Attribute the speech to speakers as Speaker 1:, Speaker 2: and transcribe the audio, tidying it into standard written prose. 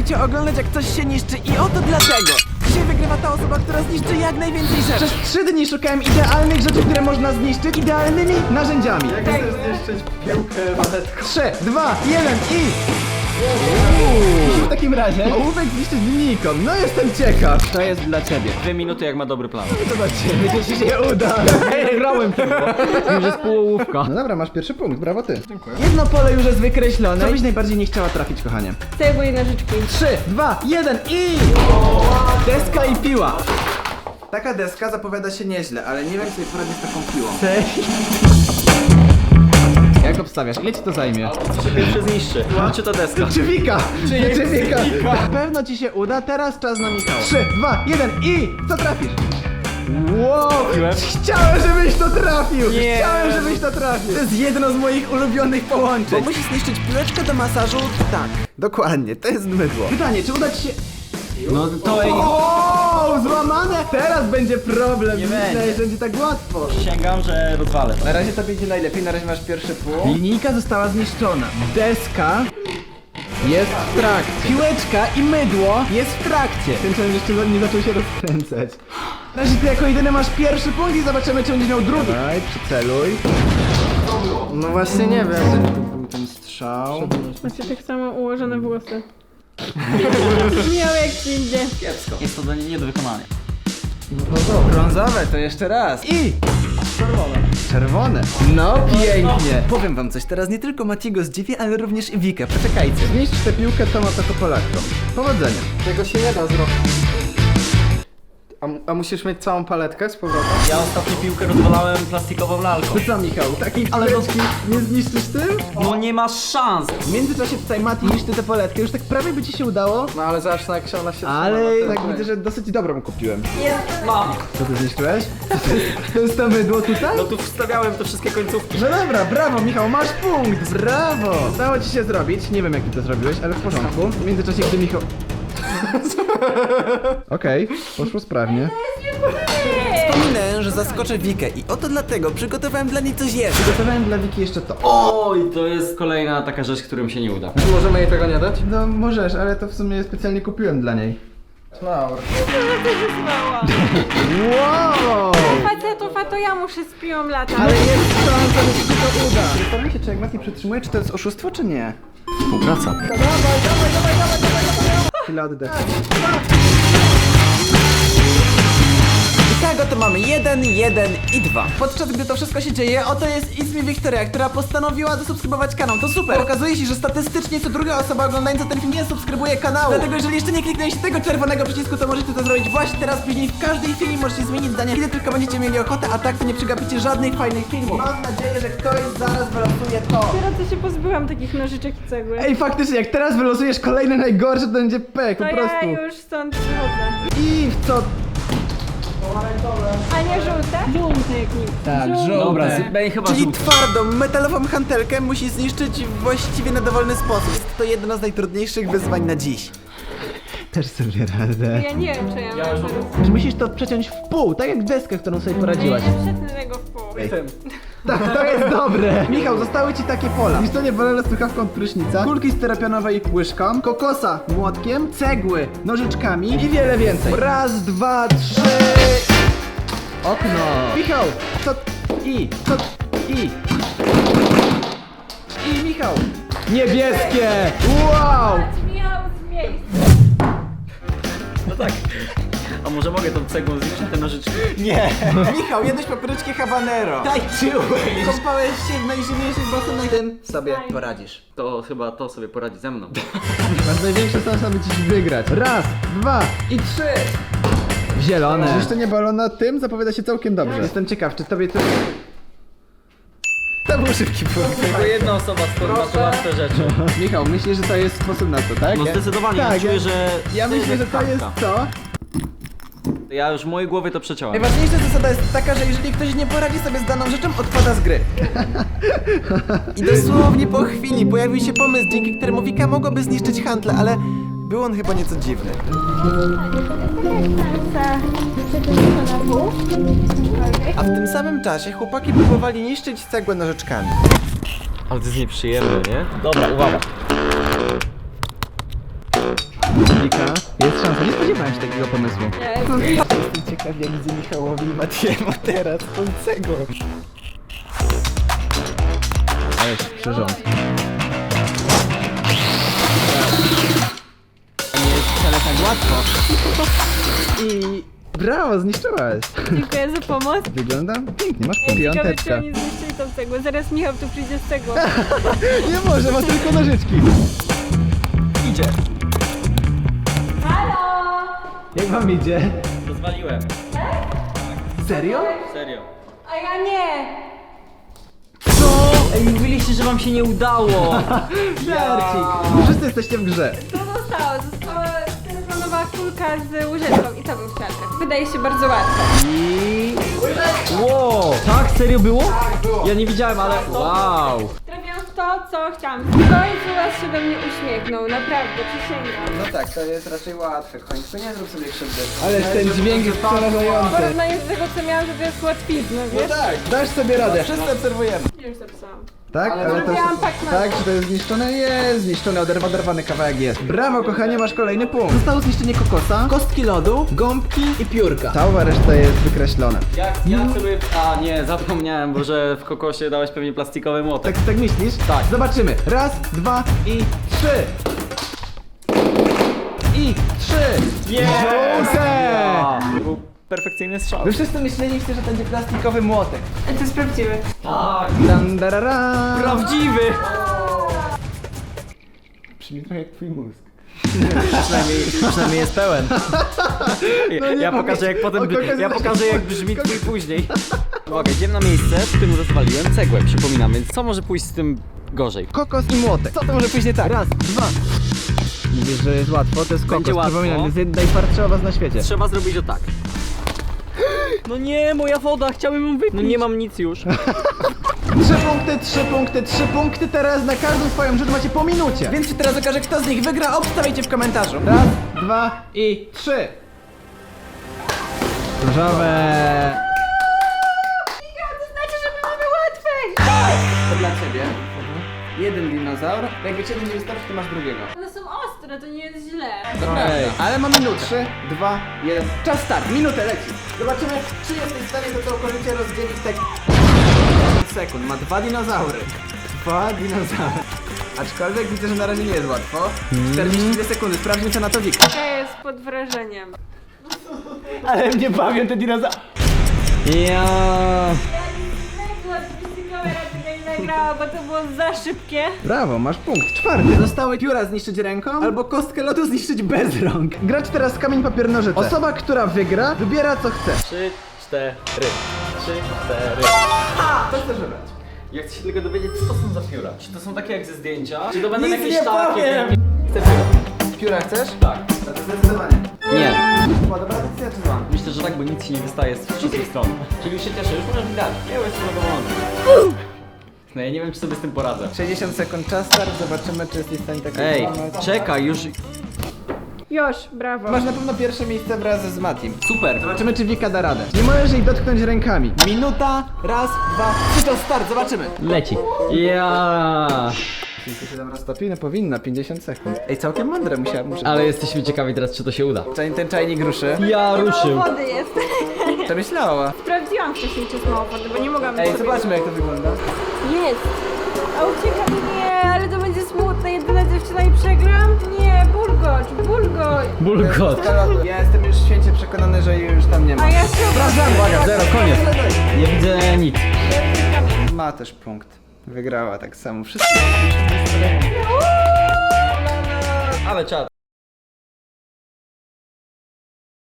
Speaker 1: lubicie oglądać, jak coś się niszczy i oto dlatego. Dzisiaj wygrywa ta osoba, która zniszczy jak najwięcej rzeczy. Przez 3 dni szukałem idealnych rzeczy, które można zniszczyć idealnymi narzędziami.
Speaker 2: Jak chcesz zniszczyć piłkę, waletkę?
Speaker 1: 3, 2, 1 i... W takim razie ołówek zniszczyć Nikon. No jestem ciekaw. To jest dla ciebie.
Speaker 3: 2 minuty jak ma dobry plan.
Speaker 1: To dla ciebie, to ci się uda.
Speaker 3: Grałem tylko. Już jest półołówka.
Speaker 1: No dobra, masz pierwszy punkt, brawo ty. Dziękuję. Jedno pole już jest wykreślone. Co byś najbardziej nie chciała trafić, kochanie?
Speaker 4: Cegły i nożyczki.
Speaker 1: 3, 2, 1 i... Deska i piła. Taka deska zapowiada się nieźle, ale nie wiem, co poradzić z taką piłą. Jak obstawiasz? Ile ci to zajmie?
Speaker 3: Co się pierwszy zniszczy? Czy to deska?
Speaker 1: Rzeczywika! Rzeczywika! Na pewno ci się uda, teraz czas na Michała. 3, 2, 1 i... Co trafisz? Wow! Chciałem, żebyś to trafił!
Speaker 3: Nie.
Speaker 1: Chciałem, żebyś to trafił! To jest jedno z moich ulubionych połączeń. Bo musisz zniszczyć piłeczkę do masażu? Tak. Dokładnie, to jest mydło. Pytanie, czy uda ci się...
Speaker 3: No to ej.
Speaker 1: O, złamane! Teraz będzie problem.
Speaker 3: Nie
Speaker 1: Myślę,
Speaker 3: będzie.
Speaker 1: że będzie tak łatwo.
Speaker 3: Przysięgam, że rozwalę.
Speaker 1: Na razie tobie idzie najlepiej, na razie masz pierwszy pół. Linijka została zniszczona. Deska jest w trakcie. Piłeczka i mydło jest w trakcie. Ten challenge jeszcze nie zaczął się rozkręcać. Na razie ty jako jedyny masz pierwszy punkt i zobaczymy, czy będziesz miał drugi. Daj, przyceluj.
Speaker 2: No właśnie nie wiem. Tu był ten strzał.
Speaker 4: Macie tak samo ułożone włosy. Miał jak ci idzie.
Speaker 3: Kiepsko. Jest to nie do wykonania.
Speaker 1: Brązowe, to jeszcze raz. I... Czerwone. No pięknie. Powiem wam coś, teraz nie tylko Matiego zdziwię, ale również i Wikę. Poczekajcie. Zniszcz tę piłkę tomatokopolakką. Powodzenia.
Speaker 2: Tego się nie da zrobić. A musisz mieć całą paletkę z powrotem?
Speaker 3: Ja ostatnio piłkę rozwalałem plastikową lalką.
Speaker 1: To co, Michał? Takich piłeczki nie zniszczysz tym?
Speaker 3: No nie masz szans.
Speaker 1: W międzyczasie tutaj Mati niszczy tę poletkę. Już tak prawie by ci się udało.
Speaker 2: No ale zobacz, jak się ona się
Speaker 1: Ale
Speaker 2: trzyma.
Speaker 1: tak widzę, że dosyć dobrą kupiłem.
Speaker 3: Mam.
Speaker 1: Co ty zniszczyłeś? To jest to mydło tutaj?
Speaker 3: No tu wstawiałem te wszystkie końcówki.
Speaker 1: No dobra, brawo Michał, masz punkt, brawo! Udało ci się zrobić, nie wiem jak ty to zrobiłeś, ale w porządku. W międzyczasie, gdy Michał... Okej, poszło sprawnie. Wspominałem, że zaskoczę Wikę i oto dlatego przygotowałem dla niej coś jeszcze. Przygotowałem dla Wiki jeszcze to.
Speaker 3: Oj, to jest kolejna taka rzecz, którym się nie uda.
Speaker 2: Czy możemy jej tego nie dać?
Speaker 1: No możesz, ale to w sumie specjalnie kupiłem dla niej.
Speaker 2: No.
Speaker 4: Wyzwała.
Speaker 1: Wow!
Speaker 4: Facetów, a to ja muszę z piłą latać.
Speaker 1: Ale jest szansa, że ci się to uda. Zastanawiam się, czy jak Mati przytrzymuje, czy to jest oszustwo, czy nie?
Speaker 3: Współpraca.
Speaker 1: Chwila oddechu. I tak oto mamy 1, 1 i 2. Podczas gdy to wszystko się dzieje, oto jest It's Me Wiktoria, która postanowiła zasubskrybować kanał. To super! Okazuje się, że statystycznie co druga osoba oglądająca ten film nie subskrybuje kanału. Dlatego jeżeli jeszcze nie kliknęliście tego czerwonego przycisku, to możecie to zrobić właśnie teraz, później w każdej chwili możecie zmienić zdanie, kiedy tylko będziecie mieli ochotę, a tak to nie przegapicie żadnych fajnych filmów. Mam nadzieję, że ktoś zaraz wylosuje to.
Speaker 4: Dopiero co się pozbyłam takich nożyczek i cegły.
Speaker 1: Ej, faktycznie, jak teraz wylosujesz kolejne najgorsze, to będzie pek,
Speaker 4: To
Speaker 1: po prostu.
Speaker 4: ja już stąd wychodzę.
Speaker 1: I w co?
Speaker 4: A nie żółte? Żółte jak nic.
Speaker 1: Tak,
Speaker 3: Dobra, Bej chyba
Speaker 1: Czyli
Speaker 3: żółty.
Speaker 1: twardą, metalową hantelkę musi zniszczyć właściwie na dowolny sposób. Jest to jedno z najtrudniejszych wyzwań na dziś. Też sobie radę.
Speaker 4: Ja nie wiem, czy ja mam teraz.
Speaker 1: Musisz to przeciąć w pół, tak jak deskę, którą sobie poradziłaś.
Speaker 4: Nie przetnę tego w pół.
Speaker 1: Tak, to jest dobre. Michał, zostały ci takie pola. Niszczenie balona słuchawką od prysznica, kulki styropianowej łyżką, kokosa młotkiem, cegły nożyczkami i wiele więcej. Raz, dwa, trzy... Okno. Michał, co... I Michał. Niebieskie. Wow.
Speaker 4: Miał z miejsca.
Speaker 3: No tak. A może mogę tą cegłą zniszczyć te nożyczki?
Speaker 1: Nie. Michał, jadłeś papryczki habanero. Tańczyłeś. Kąpałeś się w najzimniejszych basenach. Tym sobie poradzisz.
Speaker 3: To chyba to sobie poradzi ze mną.
Speaker 1: Masz największe szanse, aby dziś wygrać. Raz, dwa i trzy. Zielone. Zniszczenie balona tym zapowiada się całkiem dobrze. Jestem ciekaw, czy tobie to... To był szybki punkt.
Speaker 3: Tylko jedna osoba sformatowała te rzeczy.
Speaker 1: Michał, myślisz, że to jest sposób na to, tak?
Speaker 3: No zdecydowanie,
Speaker 1: tak,
Speaker 3: ja czuję, że...
Speaker 1: Ja myślę, że to jest
Speaker 3: kartka.
Speaker 1: co?
Speaker 3: Ja już w mojej głowie to przeciąłem.
Speaker 1: Najważniejsza zasada jest taka, że jeżeli ktoś nie poradzi sobie z daną rzeczą, odpada z gry. I dosłownie po chwili pojawił się pomysł, dzięki któremu Wika mogłaby zniszczyć handlę, ale był on chyba nieco dziwny. A w tym samym czasie chłopaki próbowali niszczyć cegłę nożyczkami.
Speaker 3: Ale to jest nieprzyjemne, nie? Dobra, uwaga.
Speaker 1: Wika, jest szansa, nie spodziewałem się takiego pomysłu.
Speaker 4: Nie,
Speaker 1: Jestem ciekaw, jak widzę Michałowi i Matiemu teraz końcego. Ale jest przyrząd. Nie jest wcale tak łatwo. I brawo, zniszczyłaś.
Speaker 4: dziękuję za pomoc.
Speaker 1: Wygląda pięknie, masz
Speaker 4: Ciekawe, czy
Speaker 1: piąteczkę.
Speaker 4: oni zniszczyli tą cegłę. Zaraz Michał tu przyjdzie z cegłą.
Speaker 1: Nie może, ma tylko nożyczki. Idzie.
Speaker 4: Halo!
Speaker 1: Jak wam idzie?
Speaker 3: Rozwaliłem.
Speaker 1: Serio?
Speaker 3: Serio.
Speaker 4: A ja nie!
Speaker 3: Co? Ej, mówiliście, że wam się nie udało.
Speaker 1: Żarcik. Wszyscy jesteście w grze.
Speaker 4: To zostało. Została telefonowa kulka z łyżeczką i to był kwiatek. Wydaje się bardzo łatwe.
Speaker 3: I... Wow. Tak? Serio było? Tak, było. Ja nie widziałem, ale... Wow.
Speaker 4: Trafiłam w to, co chciałam. W końcu was się do mnie uśmiechnął. Naprawdę, przysięgam.
Speaker 1: No tak, to jest raczej łatwe. Końcu nie zrób sobie krzywdy. Ale ten dźwięk jest
Speaker 4: W
Speaker 1: przerażający.
Speaker 4: porównaniu do tego, co miałam, to jest łatwizna, wiesz?
Speaker 1: Tak, dasz sobie radę. Wszyscy obserwujemy.
Speaker 4: Już zapisałam.
Speaker 1: Tak? Ale to
Speaker 4: zrobiłam tak na
Speaker 1: tak,
Speaker 4: to.
Speaker 1: że to jest zniszczone? Jest zniszczone, oderwany kawałek jest. Brawo kochanie, masz kolejny punkt. Zostało zniszczenie kokosa, kostki lodu, gąbki i piórka. Cała reszta jest wykreślona.
Speaker 3: Ja celuję... A nie, zapomniałem, bo że w kokosie dałeś pewnie plastikowy młotek.
Speaker 1: Tak myślisz?
Speaker 3: Tak.
Speaker 1: Zobaczymy. Raz, dwa i trzy. I trzy. Żółte!
Speaker 3: To był perfekcyjny strzał.
Speaker 1: Wy wszyscy myśleliście, że to będzie plastikowy młotek.
Speaker 4: To jest prawdziwe.
Speaker 3: Tak.
Speaker 1: Dan, darara.
Speaker 3: Prawdziwy!
Speaker 1: Brzmi trochę jak twój mózg.
Speaker 3: Przynajmniej jest pełen.
Speaker 1: No nie
Speaker 3: Ja
Speaker 1: powiedz.
Speaker 3: pokażę jak potem,
Speaker 1: Kokos
Speaker 3: ja
Speaker 1: jest-
Speaker 3: pokażę jak brzmi twój później. Uwaga, idziemy na miejsce, w którym rozwaliłem cegłę, przypominam, więc co może pójść z tym gorzej?
Speaker 1: Kokos i młotek. Co to może pójść nie tak? Raz, dwa. Mówisz, że jest łatwo, to jest kokos.
Speaker 3: Będzie łatwo.
Speaker 1: Przypominam, jest najtwardszy owoc na świecie.
Speaker 3: Trzeba zrobić o tak. No nie, moja woda, chciałem ją wypić. No nie mam nic już.
Speaker 1: 3 punkty teraz na każdą swoją rzecz macie po minucie. Więc teraz okaże, kto z nich wygra, obstawiajcie w komentarzu. Raz, dwa i trzy. Różowe.
Speaker 4: To znaczy, że my mamy łatwiej!
Speaker 1: To dla ciebie. Jeden dinozaur. Jakby ci jeden nie wystarczy, to masz drugiego.
Speaker 4: One są ostre, to nie jest źle.
Speaker 1: Dobra, ale ma minutę. 3, 2, 1. Czas start, minutę leci. Zobaczymy, czy jesteś w stanie to całkowicie rozdzielić tak 10 sekund. Ma dwa dinozaury. Dwa dinozaury. Aczkolwiek widzę, że na razie nie jest łatwo. 42 sekundy, sprawdźmy co na to Wik.
Speaker 4: Ja jest pod wrażeniem.
Speaker 1: Ale mnie bawią te dinozaury.
Speaker 3: Ja.
Speaker 4: Kamera tego nie nagrała, bo to było za szybkie.
Speaker 1: Brawo, masz punkt. Czwarty. Zostały pióra zniszczyć ręką, albo kostkę lodu zniszczyć bez rąk. Gracz teraz kamień, papier, nożyce. Osoba, która wygra, wybiera co chce.
Speaker 3: 3, 4. 3, 4.
Speaker 1: Co chcesz wybrać?
Speaker 3: Ja chcę się tylko dowiedzieć, co to są za pióra. Czy to są takie jak ze zdjęcia? Czy to będą
Speaker 1: Nic
Speaker 3: jakieś
Speaker 1: nie
Speaker 3: takie?
Speaker 1: powiem.
Speaker 3: Chcę pióra.
Speaker 1: Pióra chcesz?
Speaker 3: Tak.
Speaker 1: No to zdecydowanie.
Speaker 3: Nie.
Speaker 1: Była dobra decyzja czy zła?
Speaker 3: Myślę, że tak, bo nic ci nie wystaje z wszystkich stron. Czyli już się cieszę, już możesz mi dać. Ja już jestem zadowolony. No ja nie wiem, czy sobie z tym poradzę.
Speaker 1: 60 sekund czas start, zobaczymy czy jesteś w stanie tak
Speaker 3: Ej,
Speaker 1: wykonać.
Speaker 3: czekaj, już...
Speaker 4: Już, brawo.
Speaker 1: Masz na pewno pierwsze miejsce wraz z Matim.
Speaker 3: Super.
Speaker 1: Zobaczymy czy Wika da radę. Nie możesz jej dotknąć rękami. Minuta, raz, dwa, trzy, to start, zobaczymy.
Speaker 3: Leci. Ja.
Speaker 1: 57 roztopi, no powinna, 50 sekund. Ej, całkiem mądre muszę.
Speaker 3: Ale jesteśmy ciekawi teraz, czy to się uda.
Speaker 1: Ten czajnik ruszy.
Speaker 3: Ja ruszył.
Speaker 4: Mało wody jest.
Speaker 1: Przemyślała.
Speaker 4: Sprawdziłam wcześniej, czy jest mało wody, bo nie mogłam
Speaker 1: Ej,
Speaker 4: sobie-
Speaker 1: zobaczmy jak to wygląda.
Speaker 4: Jest. A ucieka nie, ale to będzie smutne. Jedyna dziewczyna i przegram? Nie, bulgocz, bulgocz.
Speaker 3: Bulgot.
Speaker 1: Ja jestem już święcie przekonany, że jej już tam nie ma.
Speaker 4: A ja się
Speaker 1: Sprawdzam,
Speaker 3: Uwaga, 0, koniec. Nie widzę nic.
Speaker 1: Ma też punkt. Wygrała tak samo. Wszystko.
Speaker 3: Ale czad.